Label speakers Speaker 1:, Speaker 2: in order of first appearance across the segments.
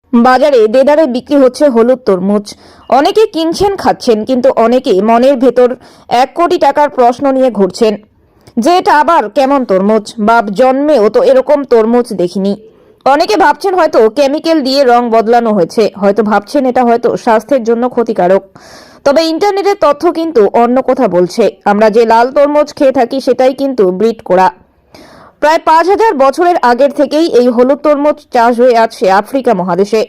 Speaker 1: বাজারে দেদারে বিক্রি হচ্ছে হলুদ তরমুজ। অনেকে কিনছেন, খাচ্ছেন, কিন্তু অনেকে মনের ভেতর 1 কোটি টাকার প্রশ্ন নিয়ে ঘুরছেন যে এটা আবার কেমন তরমুজ, বাপ জন্মেও তো এরকম তরমুজ দেখিনি। অনেকে ভাবছেন হয়তো কেমিক্যাল দিয়ে রং বদলানো হয়েছে, হয়তো ভাবছেন এটা হয়তো স্বাস্থ্যের জন্য ক্ষতিকারক। তবে ইন্টারনেটের তথ্য কিন্তু অন্য কথা বলছে। আমরা যে লাল তরমুজ খেয়ে থাকি সেটাই কিন্তু ব্রিড করা। প্রায় 5000 বছরের আগের থেকেই এই হলুদ তরমুজ চাষ হয়ে আসছে আফ্রিকা মহাদেশে।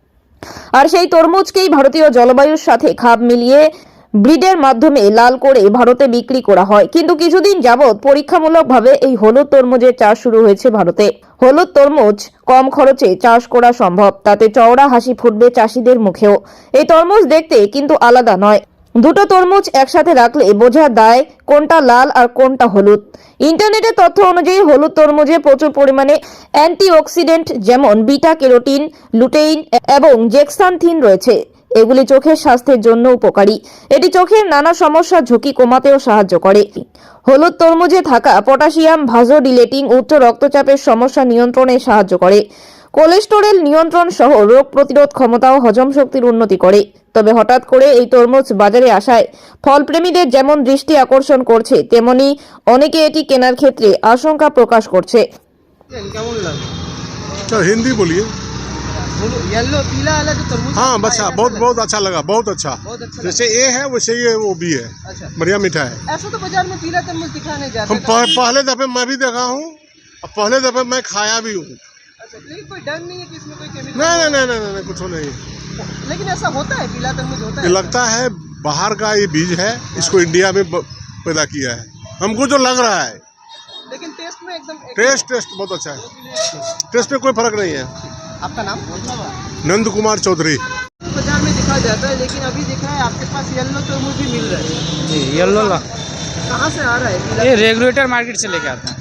Speaker 1: আর সেই তরমুজকেই ভারতীয় জলবায়ুর সাথে খাপ মিলিয়ে ব্রিডের মাধ্যমে লাল করে ভারতে বিক্রি করা হয়। কিন্তু কিছুদিন যাবৎ পরীক্ষামূলকভাবে এই হলুদ তরমুজের চাষ শুরু হয়েছে ভারতে। হলুদ তরমুজ কম খরচে চাষ করা সম্ভব, তাতে চওড়া হাসি ফুটবে চাষিদের মুখেও। এই তরমুজ দেখতে কিন্তু আলাদা নয়। দুটো তরমুজ একসাথে রাখলে বোঝা দায় কোনটা লাল আর কোনটা হলুদ। ইন্টারনেটের তথ্য অনুযায়ী হলুদ তরমুজে প্রচুর পরিমাণে অ্যান্টিঅক্সিডেন্ট যেমন বিটা ক্যারোটিন, লুটেইন এবং জেক্সান্থিন রয়েছে। এগুলি চোখের স্বাস্থ্যের জন্য উপকারী। এটি চোখের নানা সমস্যার ঝুঁকি কমাতেও সাহায্য করে। হলুদ তরমুজে থাকা পটাশিয়াম ভাসোডিলেটিং উচ্চ রক্তচাপের সমস্যা নিয়ন্ত্রণে সাহায্য করে। কোলেস্টেরল নিয়ন্ত্রণ সহ রোগ প্রতিরোধ ক্ষমতা ও হজম শক্তির উন্নতি করে। তবে হঠাৎ করে এই তরমুজ বাজারে আসায় ফলপ্রেমীদের যেমন দৃষ্টি আকর্ষণ করছে, তেমনি অনেকে এটি কেনার ক্ষেত্রে আশঙ্কা প্রকাশ করছে।
Speaker 2: কেমন লাগে?
Speaker 3: सर हिंदी बोलिए।
Speaker 2: येलो पीला वाला जो तरबूज
Speaker 3: हाँ
Speaker 2: है,
Speaker 3: बच्चा
Speaker 2: कैसा
Speaker 3: बहुत
Speaker 2: लगा?
Speaker 3: बहुत अच्छा लगा, बहुत अच्छा।
Speaker 2: बहुत अच्छा
Speaker 3: जैसे ये है वैसे ये वो भी है,
Speaker 2: अच्छा,
Speaker 3: बढ़िया मीठा है।
Speaker 2: ऐसा तो बाजार में पीला तरबूज दिखा नहीं जाता।
Speaker 3: हम पहले दफे मैं भी देखा हूँ और पहले दफे मैं खाया भी हूँ।
Speaker 2: अच्छा, लेकिन कोई डर नहीं है कि इसमें कोई केमिकल?
Speaker 3: नहीं नहीं नहीं नहीं नहीं कुछ नहीं।
Speaker 2: लेकिन ऐसा होता है, पीला तरबूज होता
Speaker 3: ये
Speaker 2: है?
Speaker 3: लगता है बाहर का ये बीज है, इसको इंडिया में पैदा किया है, हमको जो लग रहा है।
Speaker 2: लेकिन टेस्ट में एकदम
Speaker 3: टेस्ट बहुत अच्छा है, टेस्ट में कोई फर्क नहीं है।
Speaker 2: आपका नाम?
Speaker 3: नंद कुमार चौधरी।
Speaker 2: बाजार में दिखा जाता है, लेकिन अभी दिखा है आपके पास येलो तरबूज भी मिल रहा है।
Speaker 4: जी येलो ला
Speaker 2: कहाँ से आ रहा है पीला?
Speaker 4: ये रेगुलेटर मार्केट से लेके आते हैं।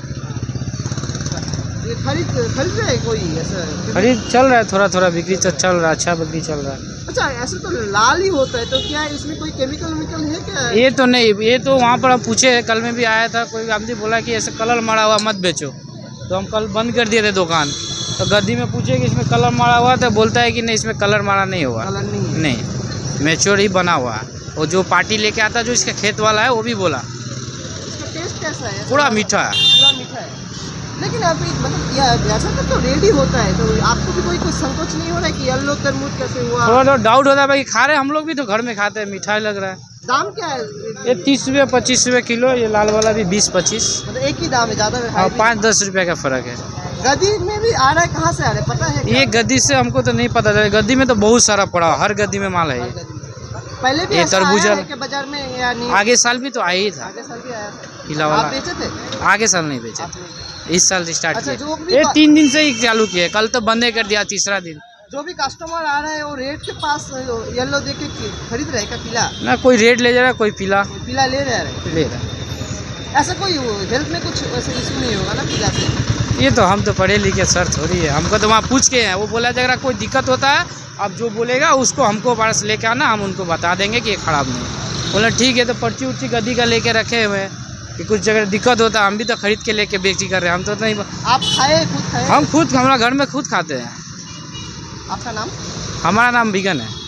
Speaker 2: ये खरीद रहे हैं कोई ऐसा?
Speaker 4: खरीद चल रहा है, थोड़ा थोड़ा बिक्री तो चल रहा है, अच्छा बिक्री चल रहा है।
Speaker 2: अच्छा, ऐसे तो लाल ही होता है, तो क्या इसमें कोई केमिकल है क्या?
Speaker 4: ये तो नहीं, ये तो वहाँ पर हम पूछे, कल में भी आया था कोई आदमी बोला कि ऐसे कलर मारा हुआ मत बेचो, तो हम कल बंद कर दिए थे दुकान। तो गद्दी में पूछे कि इसमें कलर मारा हुआ, तो बोलता है कि नहीं इसमें कलर मारा नहीं हुआ,
Speaker 2: कलर नहीं है।
Speaker 4: नहीं मैच्योर ही बना हुआ है। और जो पार्टी लेके आता जो इसका खेत वाला है वो भी बोला
Speaker 2: इसका टेस्ट कैसा है?
Speaker 4: पूरा मीठा है।
Speaker 2: पूरा मीठा है। लेकिन अभी मतलब ऐसा तो रेडी होता है, तो आपको भी कोई संकोच नहीं हो रहा है कि येलो तरबूज कैसे हुआ?
Speaker 4: थोड़ा थोड़ा डाउट होता है भाई, खा रहे हम लोग भी तो घर में खाते हैं, मीठा ही लग रहा है।
Speaker 2: दाम क्या है?
Speaker 4: ये 30 रुपये 25 रुपये किलो, ये लाल वाला भी 20-25।
Speaker 2: मतलब एक ही दाम है, ज़्यादा में?
Speaker 4: हाँ 5-10 रुपये का फ़र्क है।
Speaker 2: गद्दी में भी आ रहा है, कहाँ से आ रहा है पता है क्या?
Speaker 4: ये गद्दी से हमको तो नहीं पता चला, गद्दी में तो बहुत सारा पड़ा, हर गद्दी में माल है ये।
Speaker 2: पहले भी
Speaker 4: ये
Speaker 2: ऐसा
Speaker 4: तरबूजा
Speaker 2: आया है कि बाजार में या नहीं?
Speaker 4: आगे साल भी तो आया ही था,
Speaker 2: आगे साल भी आया था।
Speaker 4: पीला
Speaker 2: आप
Speaker 4: वाला।
Speaker 2: बेचे थे?
Speaker 4: आगे साल नहीं बेचे थे, इस साल स्टार्ट
Speaker 2: अच्छा, जो
Speaker 4: किया।
Speaker 2: भी
Speaker 4: ये 3 दिन से ही चालू किया, कल तो बंद कर दिया, तीसरा दिन।
Speaker 2: जो भी कस्टमर आ रहा है वो रेट के पास येलो देख के खरीद रहे का पीला?
Speaker 4: ना कोई रेड ले जा रहा है, कोई पीला
Speaker 2: पीला ले रहे हैं।
Speaker 4: ले रहा है।
Speaker 2: ऐसा कोई हेल्थ में कुछ ऐसा इशू नहीं होगा ना पीला से?
Speaker 4: ये तो हम तो पढ़े लिखे सर थोड़ी है, हमको तो वहाँ पूछ के हैं, वो बोला अगर कोई दिक्कत होता है आप जो बोलेगा उसको हमको पास लेके आना, हम उनको बता देंगे कि ये ख़राब नहीं है। बोला ठीक है, तो पर्ची उर्ची गद्दी का लेके रखे हुए हैं कि कुछ जगह दिक्कत होता है, हम भी तो खरीद के लेके बेची कर रहे हैं, हम तो नहीं।
Speaker 2: आप खाए, खुद खाए?
Speaker 4: हम खुद हमारा घर में खुद खाते हैं।
Speaker 2: आपका नाम?
Speaker 4: हमारा नाम बिगन है।